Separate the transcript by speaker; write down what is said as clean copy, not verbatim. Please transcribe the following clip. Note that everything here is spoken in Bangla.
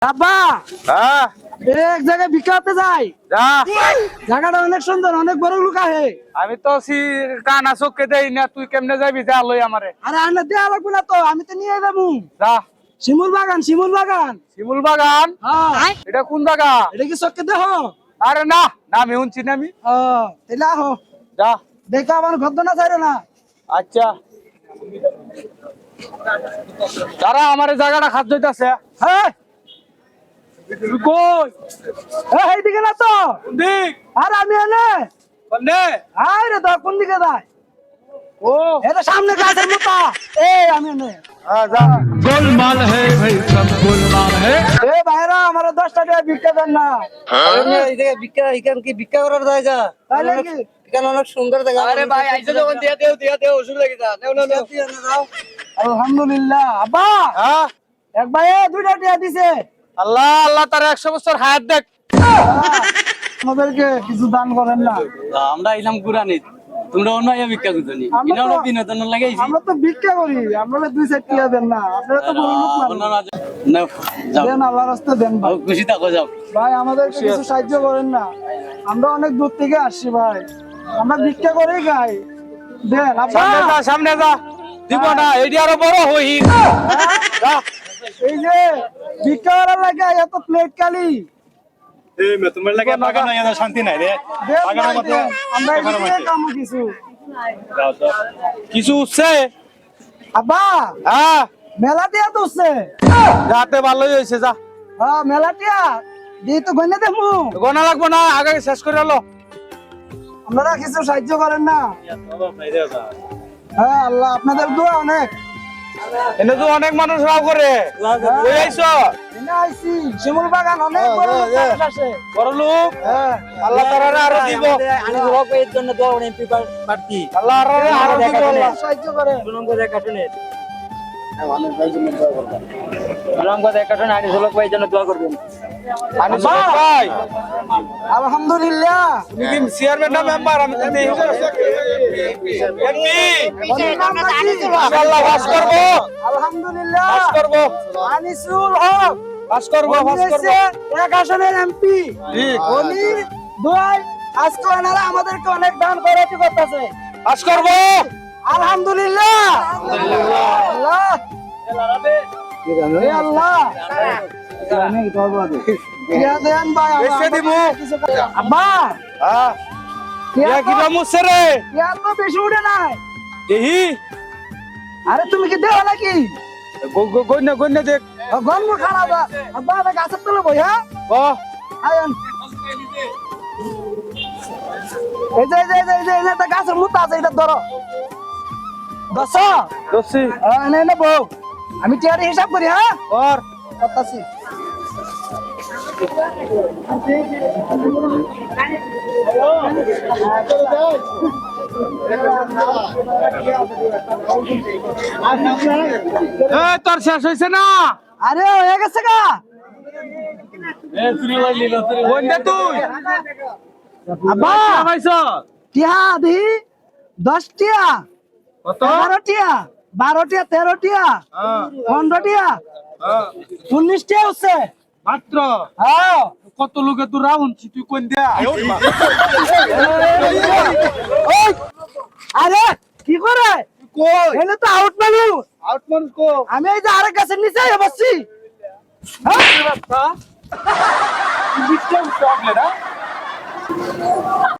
Speaker 1: আব্বা
Speaker 2: হ্যাঁ
Speaker 1: এক জায়গায় ভিক্ষা করতে যাই।
Speaker 2: যা।
Speaker 1: জায়গাটা অনেক সুন্দর, অনেক বড় লোক আহে।
Speaker 2: আমি তো কানা চোখকে দেই না, তুই কেমনে যাবি? যা লই আমারে।
Speaker 1: আরে আন্না দেয়া লাগবে না তো, আমি তো নিয়ে যাবো।
Speaker 2: যা।
Speaker 1: শিমুল বাগান, শিমুল বাগান।
Speaker 2: শিমুল বাগান?
Speaker 1: হ্যাঁ।
Speaker 2: এটা কোন জায়গা?
Speaker 1: এটা কি চোখকে দেহ?
Speaker 2: আরে না না, আমি শুনছি না। আমি
Speaker 1: তাহলে আহ
Speaker 2: যা।
Speaker 1: দেখো আমার ঘর না চাইরো না।
Speaker 2: আচ্ছা তারা আমার জায়গাটা খাদ্য দিতেছে।
Speaker 1: হ্যাঁ
Speaker 2: কই?
Speaker 1: এইদিকে না তো।
Speaker 2: কোন দিক?
Speaker 1: আর আমি এনে
Speaker 2: কোনে?
Speaker 1: আরে তো কোন দিকে যায়?
Speaker 2: ও
Speaker 1: এটা সামনে গাছের মতো। আমি এনে
Speaker 2: যা।
Speaker 3: गोलमाल है भाई, सब गोलमाल है।
Speaker 1: ভাইরা আমার 10 টাকা ভিক্ষা দেন না।
Speaker 4: ভিক্ষা করার জায়গা
Speaker 1: তাই নাকি?
Speaker 4: এখানে অনেক সুন্দর জায়গা। আরে ভাই আইছো যখন দিয়া দেও অসুবিধা কি? নাও
Speaker 1: আলহামদুলিল্লাহ। আব্বা
Speaker 2: হ্যাঁ
Speaker 1: এক ভাই 2টা টিয়া দিছে।
Speaker 2: আল্লাহ আল্লাহ তার 100 বছর হায়াত দেখ।
Speaker 1: আমাদেরকে কিছু দান করেন না।
Speaker 4: আমরা আইলাম কুরআনি, তোমরা অন্য আয়া ভিক্ষা করছো নি?
Speaker 1: আমরা
Speaker 4: ইনা
Speaker 1: তো-
Speaker 4: হলো বিনোদন লাগাইছি।
Speaker 1: আমরা তো ভিক্ষা করি, আমরা 2-4 টিয়া দেন না। আপনারা তো বড় লোক
Speaker 4: অন্য
Speaker 1: মানুষ।
Speaker 4: না যাও,
Speaker 1: দেন আল্লাহর রাস্তায় দেন ভাই।
Speaker 4: খুশি থাকো যাও।
Speaker 1: ভাই আমাদেরকে কিছু সাহায্য করেন না, আমরা অনেক দূর থেকে আসছি ভাই, আমরা ভিক্ষা করেই খাই। দেন আব্বা।
Speaker 2: সামনে যা, সামনে যা। দিব না, এডি আরো বড় হই। যা।
Speaker 1: এই যে ভিক্ষা করার লাগে এত প্লেট কালি।
Speaker 5: তোমার লাগে বাগানো এত শান্তি নাই রে।
Speaker 1: দেন
Speaker 5: বাগানের
Speaker 1: ভাই,
Speaker 5: মধ্যে
Speaker 1: দেন। আমরা এদিকে কামো কিছু।
Speaker 5: যাও তো।
Speaker 2: কিছু উঠছে?
Speaker 1: আব্বা
Speaker 2: হ্যাঁ
Speaker 1: মেলা টিয়া তো উঠছে।
Speaker 2: যাতে ভালোই হয়েছে। যা।
Speaker 1: হ্যাঁ মেলা টিয়া দিয়ে তো গনে দেখবো।
Speaker 2: গোনা লাগবো না, আগে শেষ করে এলো।
Speaker 1: আপনারা কিছু সাহায্য করেন না। হ্যাঁ আল্লাহ আপনাদের দোয়া অনেক।
Speaker 2: এনে তো অনেক মানুষ রাও করে। কই আইছো?
Speaker 1: এনে আইছি শিমুল বাগান, অনেক বড় লোক মানুষ আসে।
Speaker 2: বড় লোক।
Speaker 1: হ্যাঁ
Speaker 2: আল্লাহ তাআলা আরো দিব।
Speaker 4: আনি হক এর জন্য দোয়া করেন এমপি প্রার্থী
Speaker 2: আল্লাহ আরো দিব। আল্লাহ।
Speaker 1: সাহায্য করে।
Speaker 4: সুনামগঞ্জ একাটনের সুনামগঞ্জ একাটন আনি হক ভাইয়ের জন্য দোয়া করবেন।
Speaker 2: আমি ভাই
Speaker 1: আলহামদুলিল্লাহ।
Speaker 2: তুমি কি চেয়ারম্যান না মেম্বার? আমি তো দেই এমপি।
Speaker 1: ওদের নাম নাকি?
Speaker 2: ইনশাআল্লাহ পাস করব।
Speaker 1: আলহামদুলিল্লাহ।
Speaker 2: পাস করব।
Speaker 1: আনিসুল হক
Speaker 2: পাস করব।
Speaker 1: উনি
Speaker 2: পাস করব।
Speaker 1: হচ্ছে এক আসনের এমপি।
Speaker 2: ঠিক।
Speaker 1: উনি দোয়াই আজকে ওনারা আমাদেরকে অনেক দান করাতে করতেছে।
Speaker 2: পাস করব।
Speaker 1: আলহামদুলিল্লাহ। আল্লাহ এ আল্লাহ ইয়া দেন ভাই আমার।
Speaker 2: বেশি দিমু।
Speaker 1: আব্বা
Speaker 2: হ্যাঁ
Speaker 1: ইয়া
Speaker 2: ইয়া কি রামুছে রে?
Speaker 1: ইয়া তো বেশি উঠে নাই।
Speaker 2: দেহি
Speaker 1: আরে তুমি কি দেও নাকি?
Speaker 2: গন্যা দেখ।
Speaker 1: গন্ধ খারাপ। আব্বা আমি গাছের তলে বই। হ্যাঁ
Speaker 2: ও
Speaker 1: আয়ন এই যে এটা গাছের মুতা আছে, এটা ধরো। দশ
Speaker 2: দছি
Speaker 1: এনে বউ আমি টিয়ারি হিসাব করি। হ্যাঁ
Speaker 2: আর
Speaker 1: করতাছি।
Speaker 2: এ তোর শেষ হইছে না?
Speaker 1: আরে হয়ে গেছে গা।
Speaker 2: গন্যা তুই
Speaker 1: আব্বা
Speaker 2: পাইছ
Speaker 1: টিয়া দি 10 টিয়া,
Speaker 2: কত?
Speaker 1: 11 টিয়া, 12 টিয়া, 13 টিয়া, 15 টিয়া, 19 টিয়া হচ্ছে
Speaker 2: মাত্র।
Speaker 1: হ্যাঁ।
Speaker 2: কত লোকে তুই রাউন্ড তুই কোন দিয়া?
Speaker 1: ওই, আরে কি করে
Speaker 2: কই
Speaker 1: এনে তো আউট মানুষ।
Speaker 2: আউট মানুষ কো?
Speaker 1: আমি এই যে আরেক গাছের নিচে বসছি। হ্যাঁ
Speaker 2: বাচ্চা বিষ্ণু প্রবলেম না।